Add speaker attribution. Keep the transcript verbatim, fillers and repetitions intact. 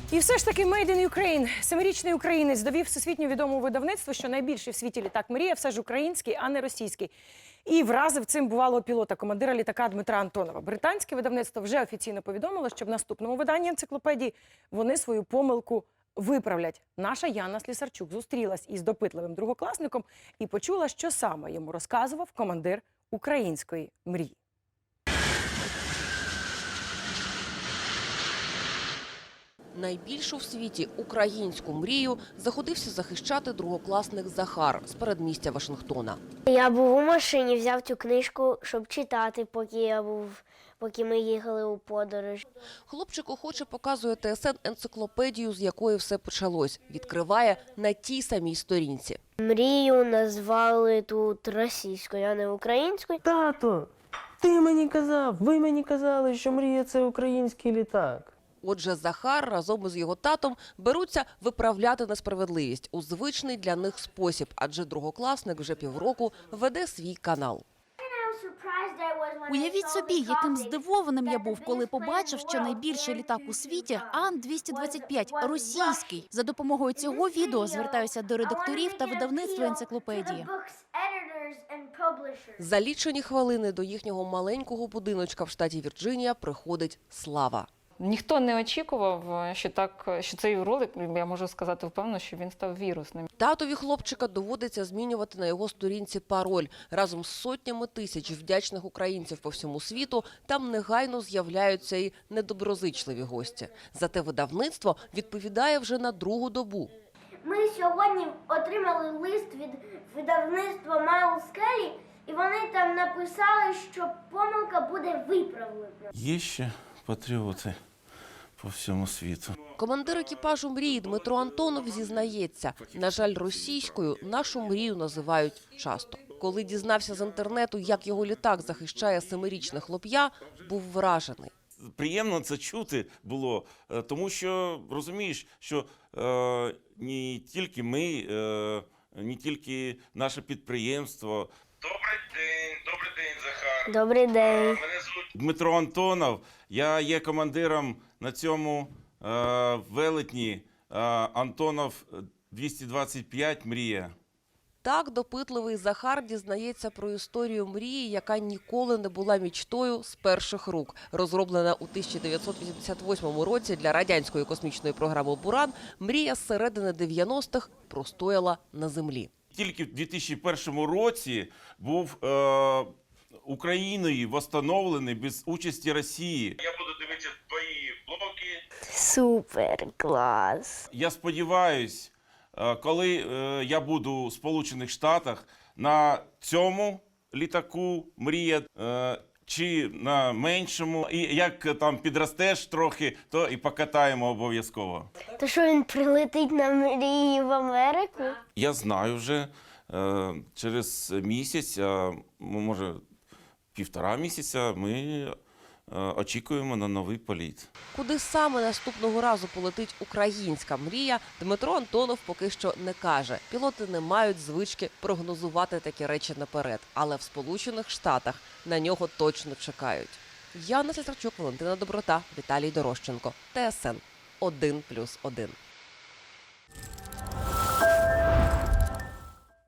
Speaker 1: І все ж таки Made in Ukraine. Семирічний українець довів всесвітньо відомому видавництву, що найбільший в світі літак «Мрія» все ж український, а не російський. І вразив цим бувалого пілота, командира літака Дмитра Антонова. Британське видавництво вже офіційно повідомило, що в наступному виданні енциклопедії вони свою помилку виправлять. Наша Яна Слісарчук зустрілась із допитливим другокласником і почула, що саме йому розказував командир української «Мрії».
Speaker 2: Найбільшу в світі українську мрію заходився захищати другокласник Захар з передмістя Вашингтона.
Speaker 3: Я був у машині, взяв цю книжку, щоб читати, поки я був, поки ми їхали у подорож.
Speaker 2: Хлопчик охоче показує ТСН енциклопедію, з якої все почалось. Відкриває на тій самій сторінці.
Speaker 3: Мрію назвали тут російською, а не українською.
Speaker 4: Тато, ти мені казав, ви мені казали, що мрія – це український літак.
Speaker 2: Отже, Захар разом із його татом беруться виправляти несправедливість у звичний для них спосіб, адже другокласник вже півроку веде свій канал.
Speaker 5: Уявіть собі, яким здивованим я був, коли побачив, що найбільший літак у світі – Ан двісті двадцять п'ять, російський. За допомогою цього відео звертаюся до редакторів та видавництва енциклопедії.
Speaker 2: За лічені хвилини до їхнього маленького будиночка в штаті Вірджинія приходить Слава.
Speaker 6: Ніхто не очікував, що так, що цей ролик, я можу сказати впевнено, що він став вірусним.
Speaker 2: Татові хлопчика доводиться змінювати на його сторінці пароль. Разом з сотнями тисяч вдячних українців по всьому світу там негайно з'являються і недоброзичливі гості. Зате видавництво відповідає вже на другу добу.
Speaker 3: Ми сьогодні отримали лист від видавництва Майл Скелі, і вони там написали, що помилка буде виправлена.
Speaker 7: Є ще патріоти по всьому світу.
Speaker 2: Командир екіпажу «Мрії» Дмитро Антонов зізнається, на жаль, російською нашу мрію називають часто. Коли дізнався з інтернету, як його літак захищає семирічне хлоп'я, був вражений.
Speaker 7: Приємно це чути було, тому що, розумієш, що е, не тільки ми, е, не тільки наше підприємство.
Speaker 8: Добрий день, добрий день, Захар.
Speaker 3: Добрий день.
Speaker 8: Мене звуть
Speaker 7: Дмитро Антонов, я є командиром на цьому е, велетні е, Антонов двісті двадцять п'ять «Мрія».
Speaker 2: Так допитливий Захар дізнається про історію «Мрії», яка ніколи не була мічтою з перших рук. Розроблена у тисяча дев'ятсот вісімдесят восьмому році для радянської космічної програми «Буран», «Мрія» з середини дев'яностих простояла на землі.
Speaker 7: Тільки в дві тисячі першому році був е, Україною встановлений без участі Росії.
Speaker 8: я буду дивитися твої блоки.
Speaker 3: Супер, клас.
Speaker 7: Я сподіваюсь, е, коли е, я буду у Сполучених Штатах, на цьому літаку «Мрія» е, чи на меншому, і як там підростеш трохи, то і покатаємо обов'язково.
Speaker 3: То що він прилетить на мрії в Америку?
Speaker 7: Я знаю вже, е, через місяць, а може півтора місяця, ми е, очікуємо на новий політ.
Speaker 2: Куди саме наступного разу полетить українська «Мрія», Дмитро Антонов поки що не каже. Пілоти не мають звички прогнозувати такі речі наперед. Але в Сполучених Штатах на нього точно чекають. Яна Слісарчук, Валентина Доброта, Віталій Дорощенко. ТСН один плюс один.